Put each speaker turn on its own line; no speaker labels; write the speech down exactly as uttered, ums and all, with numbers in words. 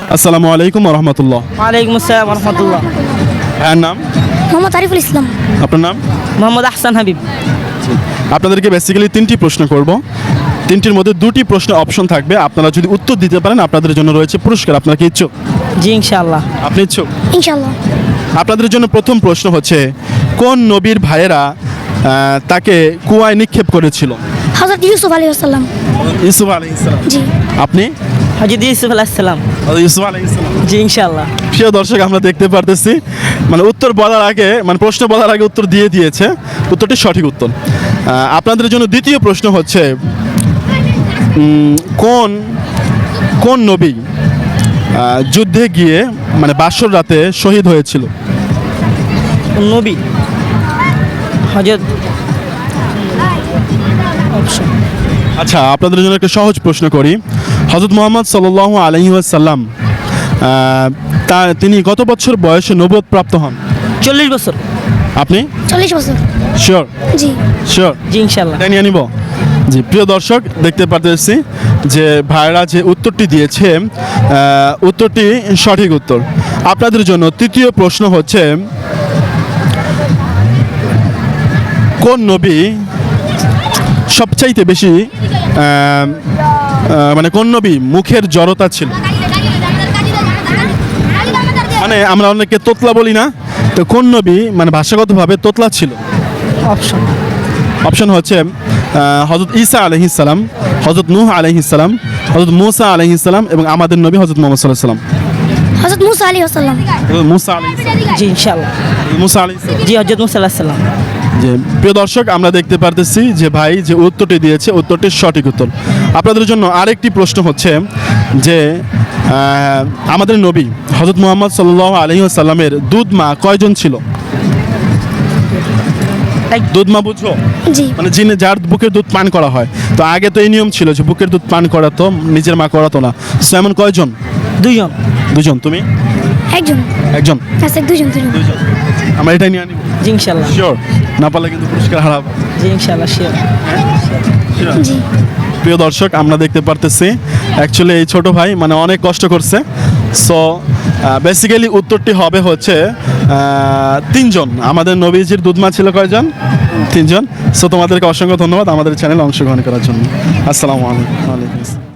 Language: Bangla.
আসসালামু আলাইকুম ওয়া রাহমাতুল্লাহ।
ওয়ালাইকুম আসসালাম ওয়া রাহমাতুল্লাহ।
ভাইয়ের নাম?
মোহাম্মদ আরিফুল ইসলাম।
আপনার নাম?
মোহাম্মদ আহসান হাবিব।
আপনাদেরকে বেসিক্যালি তিনটি প্রশ্ন করব। তিনটির মধ্যে দুটি প্রশ্ন অপশন থাকবে, আপনারা যদি উত্তর দিতে পারেন আপনাদের জন্য রয়েছে পুরস্কার। আপনারা কি ইচ্ছুক?
জি ইনশাআল্লাহ।
আপনি ইচ্ছুক?
ইনশাআল্লাহ।
আপনাদের জন্য প্রথম প্রশ্ন হচ্ছে, কোন নবীর ভাইয়েরা আহ, তাকে কুয়ায় নিক্ষেপ করেছিল?
হযরত ইউসুফ আলাইহিস সালাম।
ইউসুফ আলাইহিস সালাম।
জি।
আপনি?
হযরত ইউসুফ আলাইহিস সালাম।
ইউসুফ আলাইহিস সালাম।
জি ইনশাআল্লাহ।
প্রিয় দর্শক, আমরা দেখতে পারতেছি মানে উত্তর বলার আগে মানে প্রশ্ন বলার আগে উত্তর দিয়ে দিয়েছে। উত্তরটি সঠিক উত্তর। আহ, আপনাদের জন্য দ্বিতীয় প্রশ্ন হচ্ছে, উম, কোন কোন নবী আহ, যুদ্ধে গিয়ে মানে বাসর রাতে শহীদ হয়েছিল?
নবী হযরত অপশন।
আচ্ছা, আপনাদের জন্য একটা সহজ প্রশ্ন করি। হযরত মুহাম্মদ সাল্লাল্লাহু আলাইহি ওয়াসাল্লাম তা তিনি কত বছর বয়সে নবুয়ত প্রাপ্ত হন?
চল্লিশ বছর।
আপনি?
চল্লিশ বছর।
শিওর?
জি।
শিওর?
জি ইনশাআল্লাহ।
এটা নিয়ে নিব। জি, প্রিয় দর্শক, দেখতে পারতেছি যে ভাইরা যে উত্তরটি দিয়েছে আহ, উত্তরটি সঠিক উত্তর। আপনাদের জন্য তৃতীয় প্রশ্ন হচ্ছে, কোন নবী সবচাইতে বেশি আহ, আহ, মানে কোন নবী মুখের জড়তা ছিল? মানে আমরা অনেকে তোতলা বলি না, তো কোন নবী মানে ভাষাগতভাবে তোতলা ছিল?
অপশন।
অপশন হচ্ছে হযরত ঈসা আলাইহিস সালাম, হযরত নূহ আলাইহিস সালাম, হযরত মূসা আলাইহিস সালাম এবং আমাদের নবী হযরত মুহাম্মদ সাল্লাল্লাহু আলাইহি সাল্লাম।
হযরত মুসা আলাইহিস সালাম।
মূসা আলাইহিস সালাম।
জি ইনশাআল্লাহ।
মূসা আলাইহিস সালাম।
জি হযরত মুসা আলাইহিস সালাম।
যে প্রিয় দর্শক, আমরা দেখতে পারতেছি যে ভাই যে উত্তরটি দিয়েছে উত্তরটি সঠিক উত্তর। আপনাদের জন্য আরেকটি প্রশ্ন হচ্ছে যে আহ, আমাদের নবী হযরত মুহাম্মদ সাল্লাল্লাহু আলাইহি ওয়াসাল্লামের দুধ মা কয়জন ছিল? দুধ মা বুঝো?
জি।
মানে যিনি যার বুকের দুধ পান করা হয়। তো আগে তো এই নিয়ম ছিল যে বুকের দুধ পান করাতো, নিজের মা করাতো না। সো এমন কয়জন?
দুইজন।
দুজন। তুমি?
একজন।
একজন।
আচ্ছা, দুজন দুজন।
দুজন। আমরা এটাই নিয়ে আনিব।
জি ইনশাআল্লাহ।
শিওর? না পারলে কিন্তু পুরস্কার হারাবো।
জি ইনশাআল্লাহ শিওর।
জি।
প্রিয় দর্শক, আমরা দেখতে পারতেছি অ্যাকচুয়ালি এই ছোট ভাই মানে অনেক কষ্ট করছে। সো বেসিক্যালি উত্তরটি হবে হচ্ছে আহ, তিনজন। আমাদের নবীজির দুধমা ছিল কয়জন? তিনজন। সো তোমাদেরকে অসংখ্য ধন্যবাদ আমাদের চ্যানেলে অংশগ্রহণ করার জন্য। আসসালামু আলাইকুম। ওয়ালাইকুম আসসালাম।